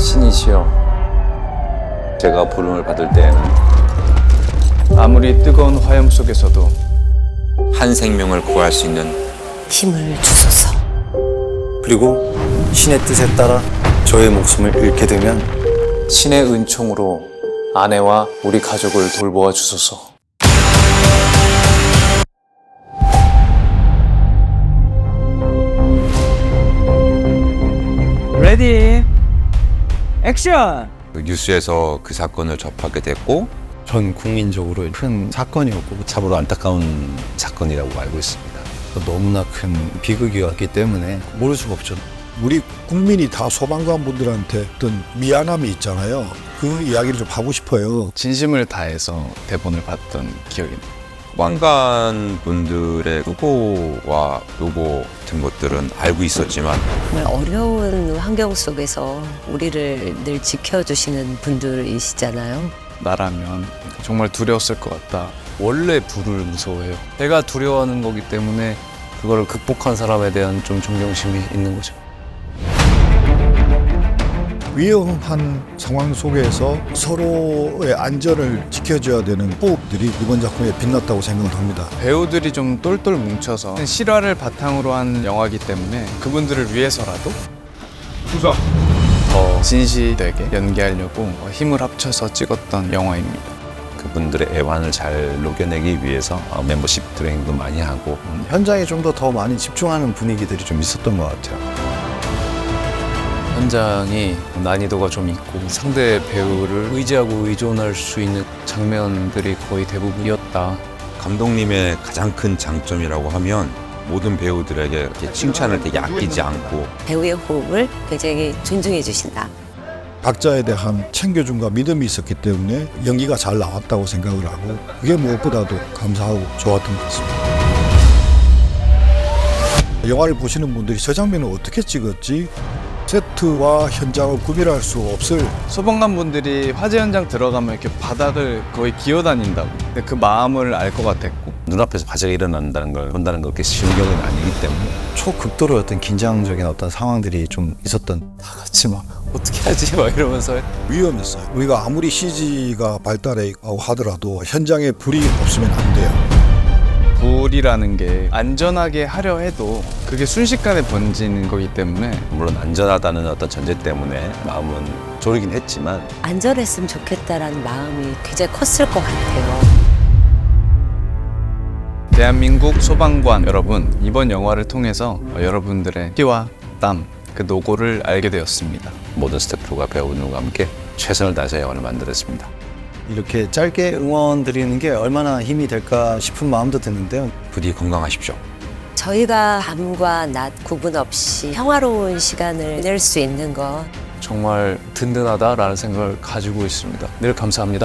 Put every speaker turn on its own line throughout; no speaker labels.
신이시여, 제가 부름을 받을 때에는
아무리 뜨거운 화염 속에서도
한 생명을 구할 수 있는
힘을 주소서.
그리고 신의 뜻에 따라 저의 목숨을 잃게 되면
신의 은총으로 아내와 우리 가족을 돌보아 주소서.
레디 액션!
뉴스에서 그 사건을 접하게 됐고
전 국민적으로 큰 사건이었고
참으로 안타까운 사건이라고 알고 있습니다.
너무나 큰 비극이었기 때문에 모를 수가 없죠.
우리 국민이 다 소방관 분들한테 어떤 미안함이 있잖아요. 그 이야기를 좀 하고 싶어요.
진심을 다해서 대본을 봤던 기억이 나요.
소방관 분들의 수고와 노고 같은 것들은 알고 있었지만
정말 어려운 환경 속에서 우리를 늘 지켜주시는 분들이시잖아요.
나라면 정말 두려웠을 것 같다. 원래 불을 무서워해요. 제가 두려워하는 거기 때문에
그거를 극복한 사람에 대한 좀 존경심이 있는 거죠.
위험한 상황 속에서 서로의 안전을 지켜줘야 되는 호흡들이 이번 작품에 빛났다고 생각을 합니다.
배우들이 좀 똘똘 뭉쳐서 실화를 바탕으로 한 영화이기 때문에 그분들을 위해서라도 더 진실되게 연기하려고 힘을 합쳐서 찍었던 영화입니다.
그분들의 애환을 잘 녹여내기 위해서 멤버십 트레이닝도 많이 하고
현장에 좀 더 많이 집중하는 분위기들이 좀 있었던 것 같아요.
현장이 난이도가 좀 있고 상대 배우를 의지하고 의존할 수 있는 장면들이 거의 대부분이었다.
감독님의 가장 큰 장점이라고 하면 모든 배우들에게 이렇게 칭찬을 되게 아끼지 않고
배우의 호흡을 굉장히 존중해 주신다.
각자에 대한 챙겨줌과 믿음이 있었기 때문에 연기가 잘 나왔다고 생각을 하고 그게 무엇보다도 감사하고 좋았던 것 같습니다. 영화를 보시는 분들이 저 장면을 어떻게 찍었지? 세트와 현장을 구별할 수 없을
소방관 분들이 화재 현장 들어가면 이렇게 바닥을 거의 기어다닌다고. 근데 그 마음을 알 것 같았고.
눈앞에서 화재가 일어난다는 걸 본다는 건 그렇게 쉬운 경우는 아니기 때문에
초극도로였던 긴장적인 어떤 상황들이 좀 있었던.
다 같이 막 어떻게 하지? 막 이러면서
위험했어요. 우리가 아무리 CG가 발달해 하더라도 현장에 불이 없으면 안 돼요.
불이라는 게 안전하게 하려 해도 그게 순식간에 번지는 거기 때문에
물론 안전하다는 어떤 전제 때문에 마음은 졸이긴 했지만
안전했으면 좋겠다라는 마음이 굉장히 컸을 것 같아요.
대한민국 소방관 여러분, 이번 영화를 통해서 여러분들의 피와 땀, 그 노고를 알게 되었습니다.
모든 스태프와 배우들과 함께 최선을 다해서 영화를 만들었습니다.
이렇게 짧게 응원 드리는 게 얼마나 힘이 될까 싶은 마음도 드는데요.
부디 건강하십시오.
저희가 밤과 낮 구분 없이 평화로운 시간을 낼 수 있는 것
정말 든든하다라는 생각을 가지고 있습니다. 늘 감사합니다.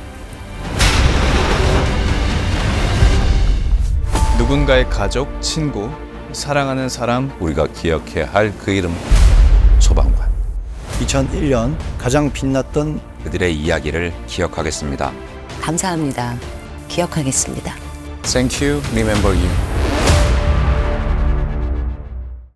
누군가의 가족, 친구, 사랑하는 사람
우리가 기억해야 할 그 이름 소방관.
2001년 가장 빛났던
그들의 이야기를 기억하겠습니다.
감사합니다. 기억하겠습니다.
Thank you, remember you.